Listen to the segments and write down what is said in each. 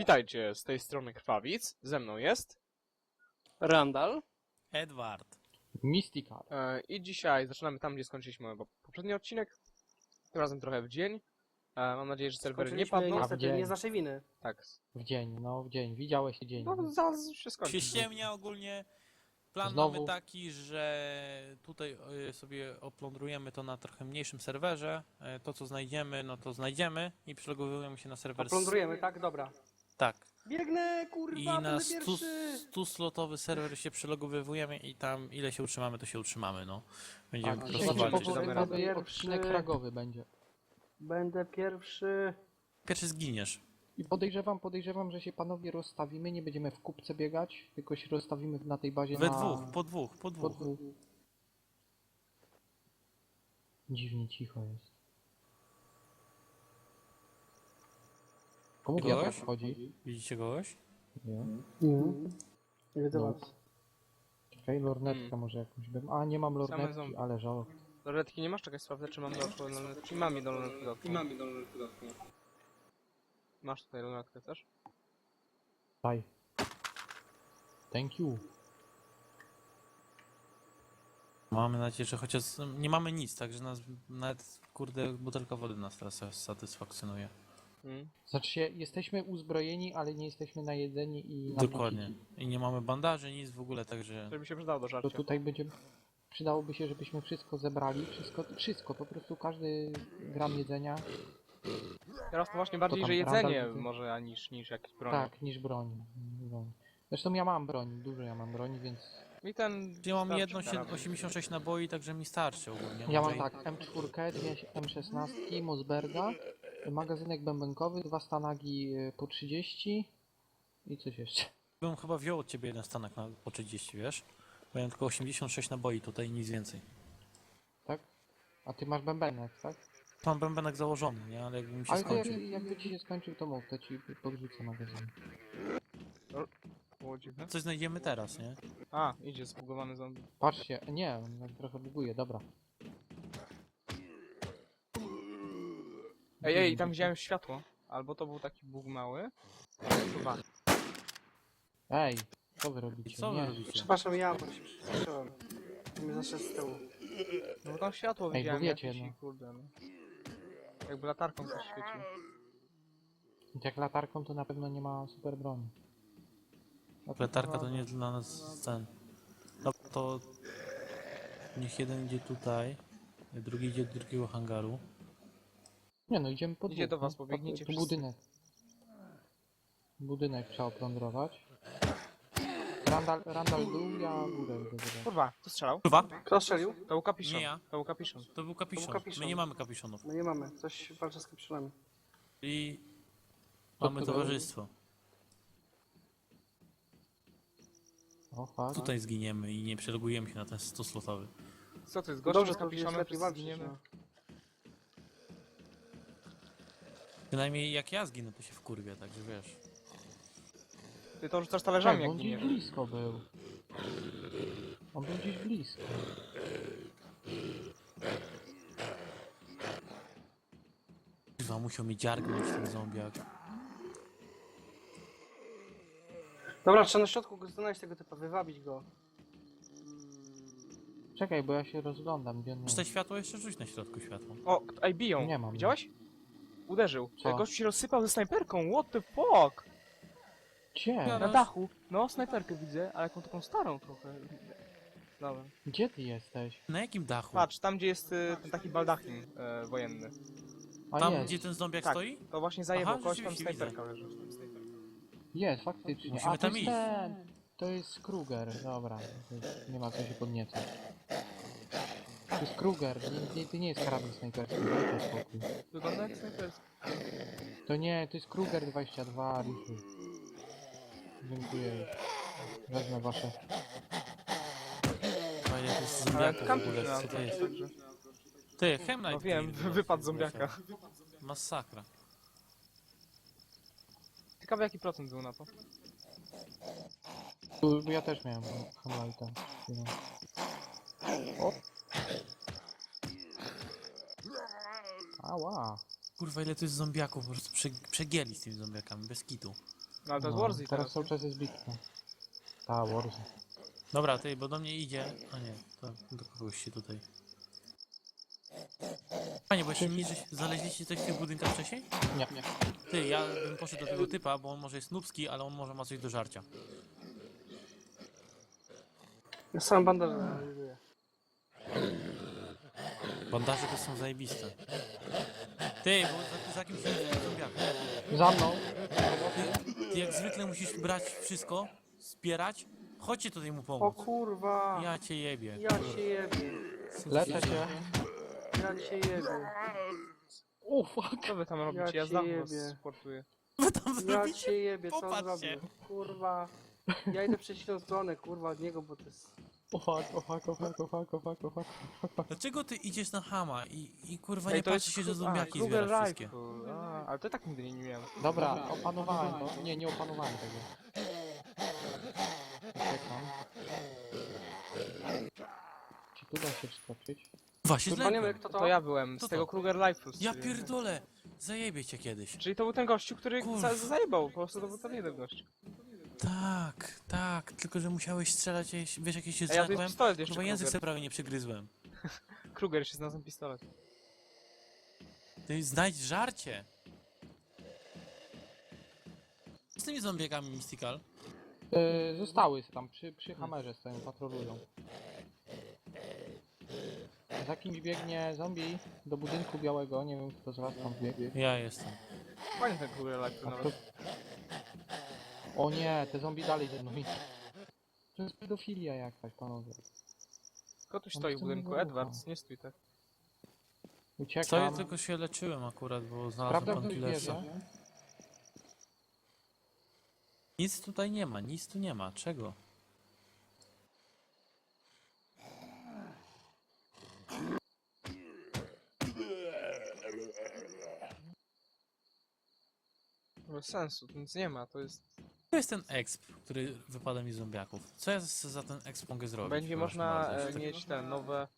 Witajcie, z tej strony Krwawic, ze mną jest Randall. Edward. Mystical. i dzisiaj zaczynamy tam, gdzie skończyliśmy poprzedni odcinek, tym razem trochę w dzień. Mam nadzieję, że serwery nie Skończyliśmy padną. niestety nie z naszej winy. Tak, W dzień, no w dzień. Widziałeś dzień. no zaraz się skończy. Się ściemnia ogólnie. Plan Znowu. mamy taki, że tutaj sobie oplądrujemy to na trochę mniejszym serwerze. To co znajdziemy, no to znajdziemy i przylogowujemy się na serwer. Plądrujemy, tak? Dobra. Tak. Biegnę, kurwa, I na będę pierwszy! 100-slotowy serwer się przylogowujemy i tam ile się utrzymamy, to się utrzymamy, no. Będziemy Tak, po to prostu zobaczymy, walczyć. czy damy radę. Pierwszy. Odcinek fragowy będzie. Będę pierwszy. Pierwszy zginiesz. I podejrzewam, że się panowie rozstawimy, nie będziemy w kupce biegać, tylko się rozstawimy na tej bazie We na... dwóch, po dwóch. po dwóch. Dziwnie cicho jest. Komu Kogoś? wiatr wchodzi? Widzicie kogoś? Nie. Nie widzę No. was. Czekaj, lornetkę może jakąś bym... A, nie mam Same lornetki, zombie. ale żal. Lornetki nie masz? Czekaj, sprawdzę, czy mam lornetki. Mam jedną lornetkę. Masz tutaj lornetkę też? Daj. Thank you. Mamy nadzieję, że chociaż nie mamy nic, także nas nawet kurde butelka wody nas teraz satysfakcjonuje. Znaczy się, jesteśmy uzbrojeni, ale nie jesteśmy najedzeni i Dokładnie. napiti. I nie mamy bandaży, nic w ogóle, także Żeby się przydało do To żarcia. tutaj będzie... Przydałoby się, żebyśmy wszystko zebrali, wszystko, po prostu każdy gram jedzenia, Teraz to właśnie bardziej, tam że jedzenie Randall widzę? może, niż jakieś broń. tak, niż broń. Zresztą ja mam broń, dużo ja mam broni, więc... I ten... ja mam starczy jedno karabin. 86 naboi, także mi starczy ogólnie. Ja mam Może i- tak, M4, dwie M16, Mossberga, magazynek bębenkowy, dwa stanagi po 30 i coś jeszcze. Bym chyba wziął od ciebie jeden stanek na po 30, wiesz? Bo ja mam tylko 86 naboi tutaj, nic więcej. Tak? A ty masz bębenek, tak? Mam bębenek założony, nie? Ale jakby mi się Ale to skończył. jakby ci się skończył, to mów, to ci podrzucę magazyn. Było dziwne. Coś znajdziemy teraz, nie? A, idzie zbugowany zombie. Patrzcie, nie, on tak trochę buguje, dobra. Ej, tam widziałem światło. Albo to był taki bóg mały. Chyba. Ej, co wy robicie? Co wy Nie. robicie? Przepraszam, ja bo się przestraszyłem. Mnie zaszedł z tyłu. No bo tam światło Ej, widziałem bo wiecie, jakieś i no. kurde, no. Jakby latarką coś świecił. Jak latarką to na pewno nie ma super broni. No to- Letarka to nie dla nas ten. No to niech jeden idzie tutaj, drugi idzie do drugiego hangaru. Nie no, idziemy po Idzie dwóch, do was, no. pobiegnijcie Tu wszyscy. budynek. Budynek trzeba oplądrować. Randall dół, ja górę idę zobaczyć. Kurwa, kto strzelał? Kurwa, Kto strzelił? To był kapiszon. Nie ja. To był kapiszon. to był kapiszon. kapiszon. My nie mamy kapiszonów. No nie mamy. Coś walczy z kapiszonami. I Co mamy to towarzystwo. O, fuck. Tutaj zginiemy i nie przelogujemy się na ten 100-slotowy. Co ty, z No gościem dobrze, z to jest kapiszonem lepiej wszyscy walczyć. zginiemy? No. Przynajmniej jak ja zginę, to się wkurwię, także wiesz. Ty to rzucasz talerzami, Tak, jak on gdzieś giniesz. blisko był. On był gdzieś blisko. Chyba musiał mi dziargnąć ten zombiak. Dobra, trzeba na środku go znaleźć tego typa, wywabić go. Czekaj, bo ja się rozglądam, gdzie on Czy te światło jeszcze rzuć na środku światło? O, ej, biją. Nie mam. Widziałeś? Uderzył. Co? Gość się rozsypał ze snajperką, what the fuck? Gdzie? Na dachu. No, snajperkę widzę, ale jaką taką starą trochę. Dobra. Gdzie ty jesteś? Na jakim dachu? Patrz, tam gdzie jest ten taki baldachin wojenny. A Tam jest, gdzie ten zombiak Tak, stoi? to właśnie zajebał Aha, kogoś, tam rzeczywiście snajperka leży. jest, faktycznie. Musimy A, to tam jest iść. ten. To jest Kruger, dobra. To jest, nie ma co się podniecać. To jest Kruger, to nie jest karabin snajperski, dajcie spokój. Wygląda jak snajperska. To nie, to jest Kruger 22, rifle. Dziękuję. Wezmę wasze. A ile to jest Ale zombiaków w kampi ogóle, na co to jest? Ty, Hemlight No wiem, Clear, wypadł zombiaka. Masakra. Ciekawe jaki procent był na to. Tu ja też miałem Hamlighta. O! Ała! Kurwa, ile to jest zombiaków, po prostu przegięli z tymi zombiakami, bez kitu. No ale to jest No, Warzy teraz teraz. cały czas jest bitwa. Ta, Warzy. Dobra, ty, bo do mnie idzie. A nie, to do kogoś się tutaj. Panie, bo jeszcze niżej znaleźliście coś w tych budynkach wcześniej? Nie. Ty, ja bym poszedł do tego typa, bo on może jest nubski, ale on może ma coś do żarcia. Ja sam bandaż analizuję. Bandaże to są zajebiste. Ty, bo za kimś jest zombiak. Za mną! Ty jak zwykle musisz brać wszystko, zbierać. Chodźcie tutaj mu O pomóc. kurwa! Ja cię jebie. Ja się jebie. Leczę się. Ja się jebie. O, fuck! Co wy tam robicie? cię Ja znam was, jebie. sportuję. Wy tam Ja zrobicie? się jebie, co on Popatrzcie. zrobił? Kurwa. Ja idę w przeciwną stronę, kurwa, od niego, bo to jest... O fuck, o fuck, o fuck, o fuck, o fuck, o fuck. Dlaczego ty idziesz na Hama i kurwa Ej, nie to jest patrzy się, że Kru- zombiaki Kruger zbierasz wszystkie? Rifle. Ale to tak nigdy nie miałem. Dobra, opanowałem to. Nie, nie opanowałem tego. Uciekam. Czy tu da się wskoczyć? Właśnie Panie, zlekłem. kto To to? ja byłem, Co z tego to? Kruger Rifle. Ja pierdolę! Zajebie cię kiedyś. Czyli to był ten gościu, który Kurwa. zajebał, po prostu to był ten jeden gość. Tak, tak, tylko że musiałeś strzelać, wiesz jak ja się A ja tu jest zlekłem? pistolet jeszcze, Chyba język Kruger. sobie prawie nie przygryzłem. Kruger się znalazł pistolet. Ty znajdź żarcie! Z tymi zombiakami Mystical? Zostały tam, przy hamerze stoją, patrolują. Za kimś biegnie zombie do budynku białego, nie wiem kto z was tam biegnie. Ja jestem. Fajny ten Kruger Rifle A kto... nawet. O nie, te zombie dalej ze mną idą. To jest pedofilia jakaś, panowie. Kto tu On stoi w chce budynku? mnie Edwards, nie stój tak. Stoję, Uciekam. tylko się leczyłem akurat, bo Prawda, znalazłem pan ktoś killersa. bierze? Nic tutaj nie ma, nic tu nie ma. Czego? Bez sensu, tu nic nie ma, to jest... To jest ten exp, który wypada mi z zombiaków. Co ja za ten exp mogę zrobić? Będzie Przepraszam można bardzo, jeszcze mieć te nowe...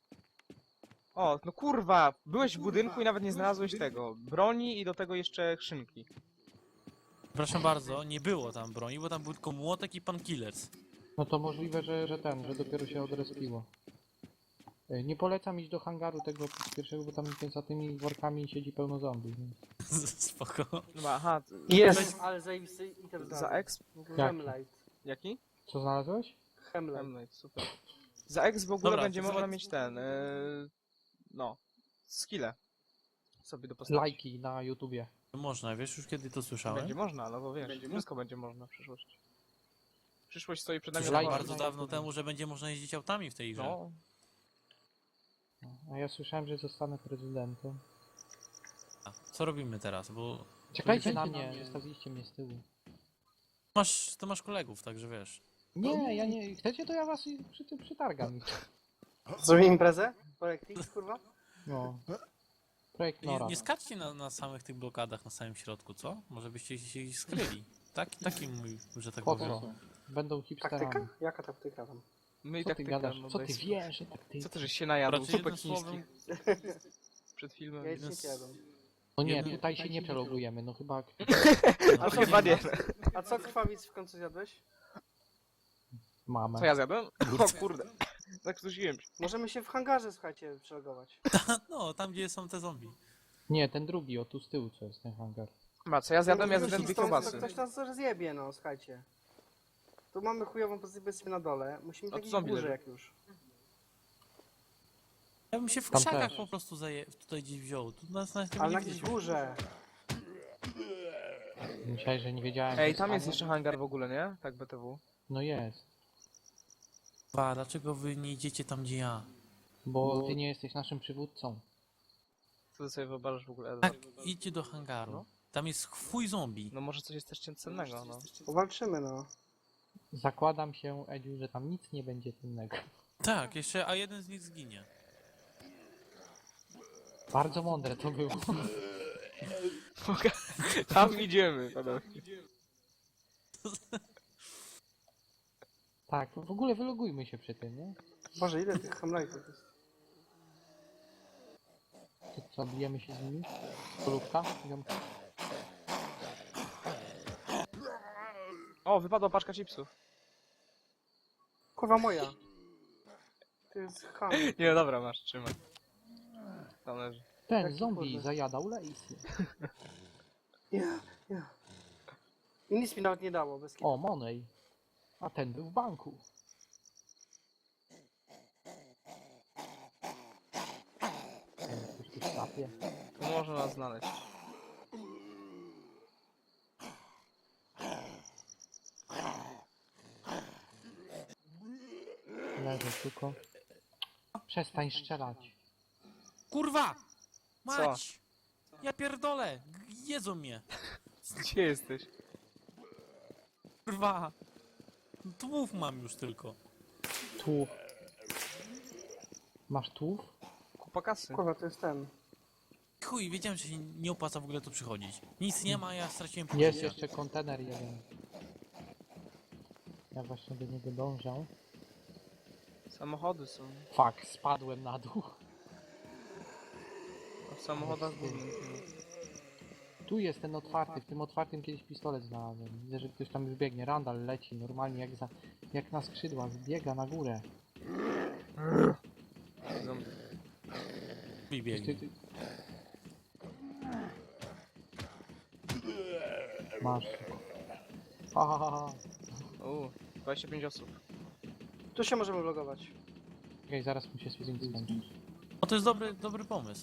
O, no kurwa! Byłeś w budynku i nawet nie znalazłeś tego. Broni i do tego jeszcze skrzynki. Przepraszam bardzo, nie było tam broni, bo tam był tylko młotek i pan killers. No to możliwe, że dopiero się odrespiło. Nie polecam iść do hangaru tego pierwszego, bo tam za tymi workami siedzi pełno zombie. Więc... Spoko. No aha, Jest! Ale zajebisty item za znalazłem. exp? Hemlight. Jaki? Co znalazłeś? Hemlight. Hemlight, super. Za exp w ogóle Dobra, będzie to można zobacz- mieć ten... no... skille. Sobie do postaci. Lajki na YouTubie. Można, wiesz już kiedy to słyszałem? Będzie można, no bo wiesz, wszystko będzie można w przyszłości. Przyszłość stoi przed nami. Słyszałem lajki bardzo na dawno YouTubie. temu, że będzie można jeździć autami w tej grze. No, A ja słyszałem, że zostanę prezydentem. A, co robimy teraz? Bo Czekajcie na mnie, zostawiliście mnie z tyłu. to masz kolegów, także wiesz. Nie, ja nie. Chcecie, to ja was przytargam. Zrobimy imprezę? Projekt X, kurwa? No. Projekt Nie, Nora. nie skaczcie na samych tych blokadach na samym środku, co? Może byście się skryli. Taki mój, że tak Po powiem. co? Będą hipsterami. Taktyka? Jaka taktyka tam? my i Co tak ty tylko, gadasz? no Co daj ty spokój. wiesz, że tak ty... Co ty żeś się najadł? Raczej Zupek jednym słowem, chińskich przed filmem. Ja nic Jest- nie jadłem. No nie, jedno- tutaj się nie przelogujemy, no chyba... A chyba nie. A co krwawic w końcu zjadłeś? Mamę. Co ja zjadłem? O kurde. Zakrztusiłem się. Możemy się w hangarze, słuchajcie, przelogować. no, tam gdzie są te zombie. Nie, ten drugi, o tu z tyłu co jest ten hangar. Ma, co ja zjadłem? Ja Ktoś zjadłem dwie stąd- kiełbasy. Ktoś nas rozjebie, no, słuchajcie. Tu mamy chujową pozycję na dole. Musimy A tu takiej zombie górze leży. jak już. Ja bym się w Tam krzakach też. po prostu tutaj gdzieś wziął. Tu nas tego Ale nie na jakiejś widać. górze. Myślałeś, że nie wiedziałem. Ej, że tam jest spadnie? jeszcze hangar w ogóle, nie? Tak, BTW. No jest. Dlaczego wy nie idziecie tam gdzie ja? Bo ty nie jesteś naszym przywódcą. Co ty sobie wyobrażasz w ogóle, Tak, Edward? idźcie do hangaru. No. Tam jest chwój zombie. No może coś jest też cennego, no. Powalczymy, no. Zakładam się, Edziu, że tam nic nie będzie cennego. Tak, jeszcze, a jeden z nich zginie. Bardzo mądre to było. Tam idziemy, panowie. Tak, w ogóle wylogujmy się przy tym, nie? Boże, ile tych hemlightów jest? Co, bijemy się z nimi? Polówka? Ziomka? O, wypadła paczka chipsów. Kurwa moja. To jest ham. Nie, dobra, masz, trzymaj. Tam leży. Ten Taki zombie kurde. zajadał Lacey. Ja. I nic mi nawet nie dało, bez kitu. O, Monej. A ten był w banku. Coś tu szlapie. Tu można nas znaleźć. Leży tylko. Przestań strzelać. Kurwa! Mać! Ja pierdolę! Jedzą mnie! Gdzie jesteś? Kurwa! Tłów mam już tylko. Tłów. Masz tłów? Kupa kasy. Kurwa, to jest ten. Chuj, wiedziałem, że się nie opłaca w ogóle tu przychodzić. Nic nie ma, ja straciłem pół Jest życia. jeszcze kontener jeden. Ja właśnie do niego dążę. Samochody są. Fuck, spadłem na dół. A w samochodach gówno. Tu jest ten otwarty, w tym otwartym kiedyś pistolet znalazłem. Widzę, że ktoś tam już biegnie. Randall leci normalnie jak na skrzydłach, biega na górę. Zombie. I biegnie. Masz. Ha, ha, ha, ha. 25 osób. Tu się możemy vlogować. Okej, zaraz mu się sprint skończy. O, to jest dobry pomysł.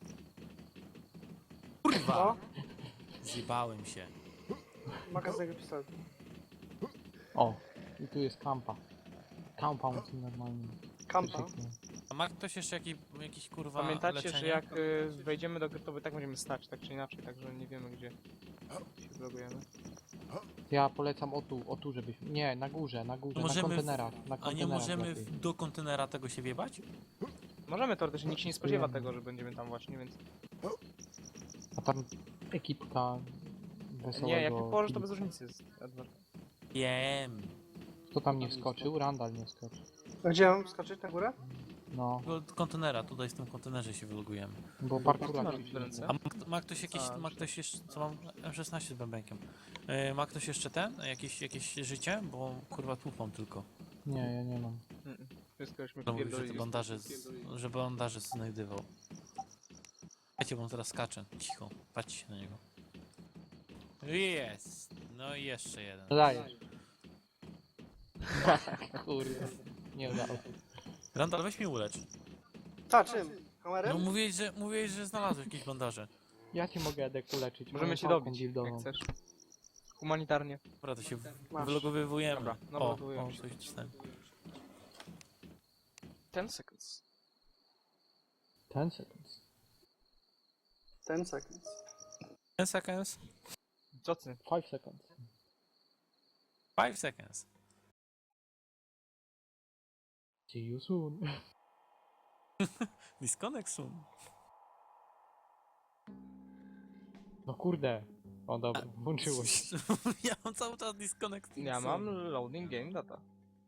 O, Kurwa! Zjebałem się. magazyn pistoletu. O, i tu jest kampa. Compound normalnie. Kampa. A ma ktoś jeszcze jakiś kurwa Pamiętacie, leczenie? że jak wejdziemy do gry, to tak będziemy stać, tak czy inaczej, także nie wiemy gdzie się vlogujemy. Ja polecam o tu żebyśmy... Nie, na górze, na Możemy kontenerach. Na A nie kontenerach możemy lepiej. do kontenera tego się wjebać? Możemy teoretycznie, nikt się nie spodziewa tego, że będziemy tam właśnie, więc... A tam ekipka wesołego... Nie, jak nie położysz, to bez różnicy jest, Edward. Wiem. Kto tam nie wskoczył? Randall nie skoczył. A gdzie mam skoczyć na górę? No, Do kontenera, tutaj w tym kontenerze się wylogujemy. bo Co parkura masz ćwiczyliśmy. w ręce? A ma ktoś jakiś, A, ma ktoś jeszcze, co mam? M16 z bębenkiem. Ma ktoś jeszcze jakieś życie? Bo kurwa tłupą tylko. Nie, ja nie mam. Wszystko już mi To mówił, że te pierdolili. bandaże, że bandaże znajdywał. Wiecie, bo on teraz skacze. Cicho, patrzcie na niego. Jest! No i jeszcze jeden. Dajesz. Kurde. Nie udało się. Randall, weź mnie ulecz. Ta, czym? No Kamerem? mówiłeś, że znalazłeś jakieś bandaże. Ja cię mogę Edek uleczyć. Możemy moją cię pałką dobić, dildową. jak chcesz. Humanitarnie. Dobra, to się Masz. wylogowywujemy. Dobra, no O, wylogowujemy się. coś dostałem. 10 seconds. 10 seconds. 10 seconds. 10 seconds. Co ty? 5 seconds. 5 seconds. See you soon. Disconnect soon. No kurde. O dobra, włączyło się. Ja mam cały czas disconnect Ja soon. mam loading game data.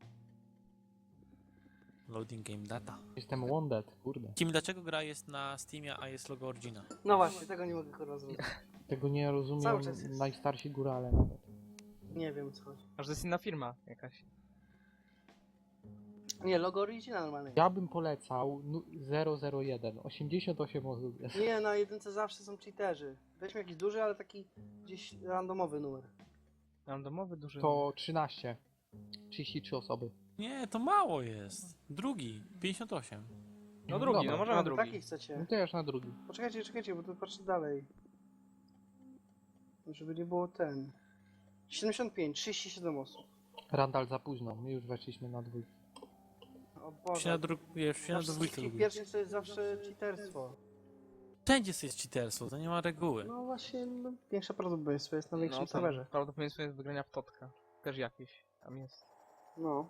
Loading game data. Jestem wounded, kurde. Kim, dlaczego gra jest na Steamie, a jest logo Origina? No właśnie, tego nie mogę kurwa zrobić. Tego nie rozumiem Cały czas jest. najstarsi górale nawet. Nie wiem o co chodzi. Aż to jest inna firma jakaś. Nie, logo Origina normalnie. Ja bym polecał 001. 88 osób jest. Nie, na jedynce zawsze są cheaterzy. Weźmy jakiś duży, ale taki gdzieś randomowy numer. Randomowy duży. To 13. 33 osoby. Nie, to mało jest. Drugi, 58. No drugi, Dobra. no możemy A, wy taki drugi. No chcecie. to ja już na drugi. Poczekajcie, bo to patrzę dalej. Żeby nie było ten. 75, 37 osób. Randall za późno. My już weszliśmy na dwójkę. O Się Boże. na, się na Na dwójkę wszystkich lubię. pierwszych to jest zawsze cheaterstwo. Wszędzie jest cheaterstwo, to nie ma reguły. No właśnie, no, większe prawdopodobieństwo jest na większym No, tam serwerze. prawdopodobieństwo jest wygrania w totka. Też jakieś tam jest. No.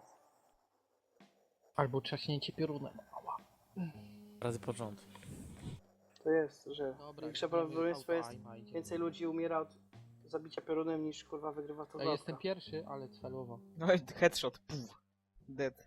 Albo trzaśnięcie piorunem. Razy pod rząd. To jest, że większe prawdopodobieństwo jest, więcej ludzi umiera od zabicia piorunem niż kurwa wygrywa to Ja jestem pierwszy, ale celowo. No i headshot. Puf. Dead.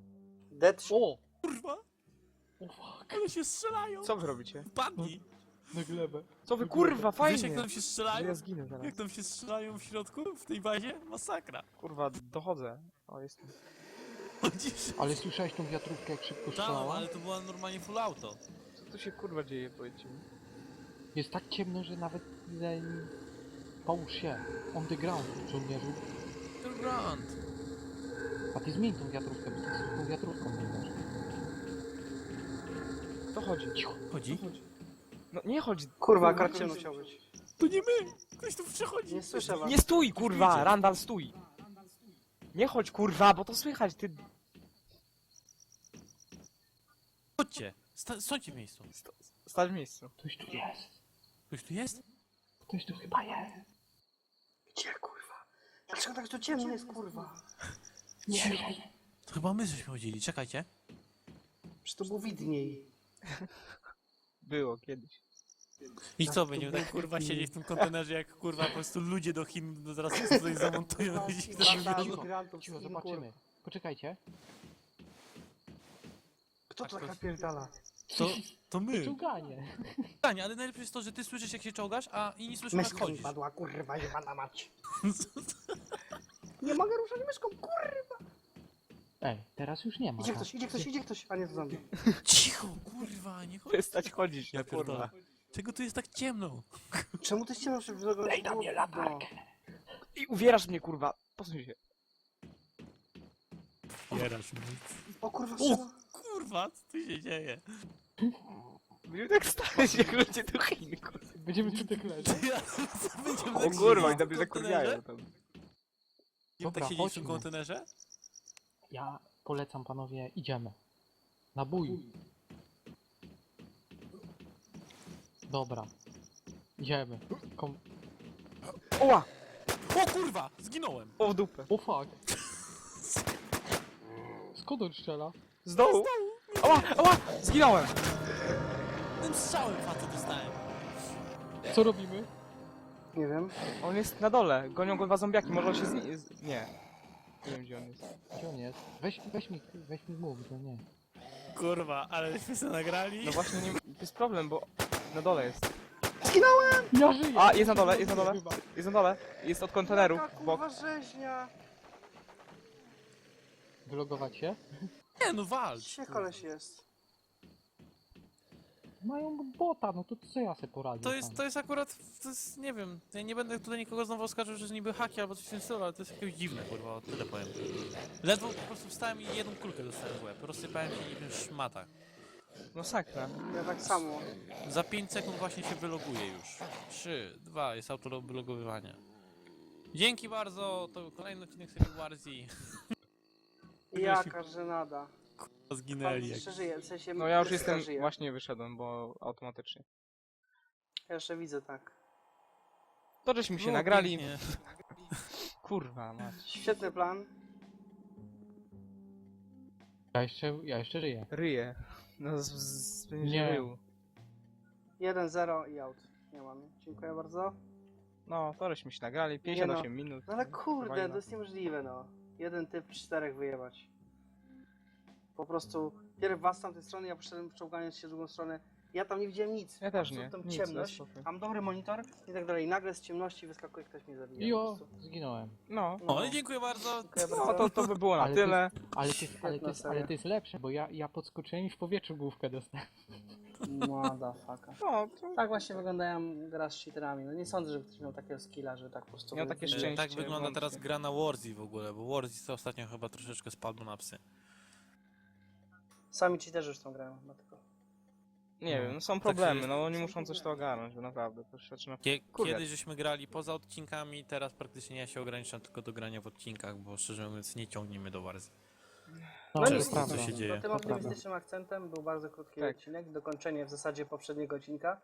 Dead O! Kurwa! O fuck! One się strzelają! Co wy robicie? Padnij! Na glebę. Co wy kurwa, Wiesz fajnie! jak tam się Że strzelają? ja zginę zaraz. Jak tam się strzelają w środku, w tej bazie? Masakra. Kurwa, dochodzę. O, jestem. Chodzisz? Ale słyszałeś tą wiatrówkę, jak szybko Tam, strzelała? ale to była normalnie full auto. Co tu się kurwa dzieje, powiedzcie mi? Jest tak ciemno, że nawet... Połóż się. On the ground, żołnierzu. Grand. A ty zmień tą wiatrówkę, bo ty z tą wiatrówką biegasz. To chodzi. Cicho. Chodzi? No nie chodź. Kurwa, Kurwa, akurat ciemno musiał być. To nie my! Ktoś tu przechodzi. Nie słyszę was. Nie stój, kurwa! idzie. Randall, stój! Nie chodź, kurwa, bo to słychać, ty... Chodźcie. Stońcie w miejscu. Stać w miejscu. Ktoś tu jest. Ktoś tu jest? Ktoś tu chyba jest. Gdzie, kurwa? Dlaczego tak tu ciemno jest, kurwa? Nie wiem. To chyba my żeśmy chodzili, czekajcie. Przecież to było widniej. Było kiedyś. I co, będziemy tak kurwa siedzieć w tym kontenerze jak kurwa po prostu ludzie do Chin no zaraz się tutaj zamontują i ich zabiorą. Migrantów z Cicho, Chin, zobaczymy. Poczekajcie. Kto to tak napierdala? To my. Czołganie. Pytanie, ale najlepsze jest to, że ty słyszysz jak się czołgasz, a inni słyszą jak Myszka mi chodzisz. padła, kurwa, jebana mać. Nie mogę ruszać myszką, kurwa. Ej, teraz już nie ma. Idzie tak? ktoś, idzie ktoś, idzie ktoś. A nie, to zombie. Cicho, kurwa, nie chodź. Przestać chodzić, Ja ja kurwa. pierdolę. Czego tu jest tak ciemno? Czemu ty ściemno się wzroku? Daj na mnie latarkę. I uwierasz mnie, kurwa. Posuń się. Bierasz mnie. O kurwa, O strzela. kurwa, co tu się dzieje? Będziemy tak stać jak ludzie do Chin, kurwa. Będziemy tu tak leżeć. Będziemy O tak kurwa, siedzieć i w tobie zakurwiają kontenerze? tam. Będziemy Dobra, tak siedzieć w tym chodźmy. kontenerze? Ja polecam panowie, idziemy. Na bój. Dobra. Idziemy. Oła! O kurwa, zginąłem. O w dupę. O fuck. Skąd on strzela? Z dołu! Oła! Oła! Zginąłem! Tym strzałem facet dostałem. Co robimy? Nie wiem. On jest na dole. Gonią go dwa zombiaki, może on się Nie. Nie wiem, gdzie on jest. Gdzie on jest? Weź mi mów, że nie. Kurwa, ale żeśmy sobie nagrali. No właśnie, nie... to jest problem, bo na dole jest. Ja żyję! A, jest na dole, jest na dole. Chyba. Jest na dole. Jest od konteneru. Jaka w bok. kurwa rzeźnia. Wylogować się? Nie no, walcz. Gdzie koleś jest? Mają bota, no to co ja sobie poradzę To jest akurat, to jest, nie wiem, ja nie będę tutaj nikogo znowu oskarżył, że jest niby haki albo coś w tym stylu, ale to jest jakieś dziwne, kurwa, o tyle powiem. Ledwo po prostu wstałem i jedną kulkę dostałem w łeb, rozsypałem się niczym szmata. No sakra. Ja tak samo. Za 5 sekund właśnie się wyloguje już. 3, 2, jest autowylogowywanie. Dzięki bardzo, to był kolejny odcinek serii Warzy. Jaka żenada. Zginęli jak... Jeszcze żyje, w sensie No ja już Jessica jestem, żyje. właśnie wyszedłem, bo automatycznie. Ja jeszcze widzę, tak. To żeśmy się Było nagrali. pięknie. Kurwa mać. Świetny plan. Ja jeszcze żyję. Ryje. No będzie Nie. rył. 1-0 i out. Nie mam. Dziękuję bardzo. No, to żeśmy się nagrali. 58 minut. No ale kurde, Fajna. to jest niemożliwe, no. Jeden typ, 4 wyjebać. Po prostu, pierw was z tamtej strony, ja poszedłem czołgając się w drugą stronę. Ja tam nie widziałem nic. Ja też Po nie. prostu Tam Nic, ciemność, bez spokój. mam dobry monitor i tak dalej. Nagle z ciemności wyskakuje, ktoś mnie zabija. Jo, po prostu. zginąłem. No. No i dziękuję bardzo. Dziękuję No bardzo. to by było na Ale tyle. Ale to jest lepsze, bo ja podskoczyłem i w powietrzu główkę dostałem. Motherfucker. No, to Tak właśnie wyglądają gra z cheaterami. No nie sądzę, żeby ktoś miał takiego skilla, że tak po prostu... Miał takie E, szczęście. Tak wygląda włącznie. teraz gra na Warzy w ogóle, bo Warzy to ostatnio chyba troszeczkę spadło na psy. Sami cheaterzy już tą grają, dlatego. Nie wiem, no są problemy, no oni muszą coś to ogarnąć, bo naprawdę to się zaczyna... Kurde. Kiedyś żeśmy grali poza odcinkami, teraz praktycznie ja się ograniczam tylko do grania w odcinkach, bo szczerze mówiąc nie ciągniemy do Warzy. No, No to nic, jest prawda. co się dzieje. To tym optymistycznym akcentem był bardzo krótki Tak. odcinek, dokończenie w zasadzie poprzedniego odcinka.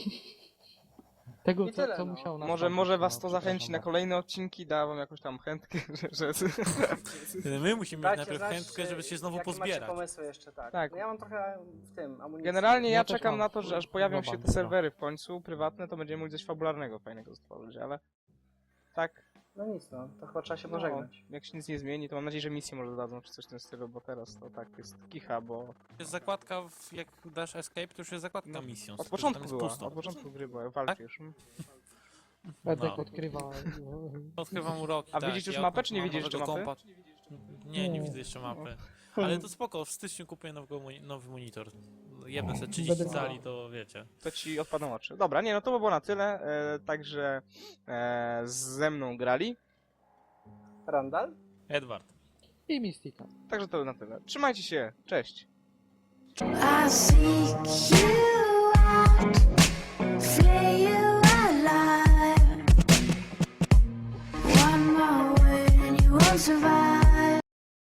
Tego, I tyle, co no. musiał nas Może nagrać, was no, to zachęci na przepraszam kolejne odcinki, da wam jakąś tam chętkę, że... My musimy mieć Dajcie najpierw znać, chętkę, żeby się znowu jakie macie pozbierać. pomysły jeszcze, tak. Tak. No ja mam trochę w tym, amunicji. Generalnie ja Ja też czekam mam na to, że aż pojawią się global, te serwery w końcu, prywatne, to będziemy mogli coś fabularnego fajnego stworzyć, ale... Tak, No nic, no. To chyba trzeba się pożegnać. Jak się nic nie zmieni, to mam nadzieję, że misję może dodadzą, czy coś w tym stylu, bo teraz to tak jest kicha, bo Jest zakładka, jak dasz escape, to już jest zakładka No, misją. od tylko, że początku tam jest była, pusto. od początku gry była, walczysz. Edek No. odkrywa... Odkrywam uroki, A tak. widzisz już ja mapę, czy nie mam widzisz jeszcze nowego mapy? Nie, nie Nie. widzę jeszcze mapy. Ale to spoko, w styczniu kupuję nowy monitor. Jebnę sobie 30 Będę cali, to wiecie. To ci odpadną oczy. Dobra, nie, no to by było na tyle. Także ze mną grali. Randall? Edward. I Mystika. Także to by na tyle. Trzymajcie się, cześć. I seek you.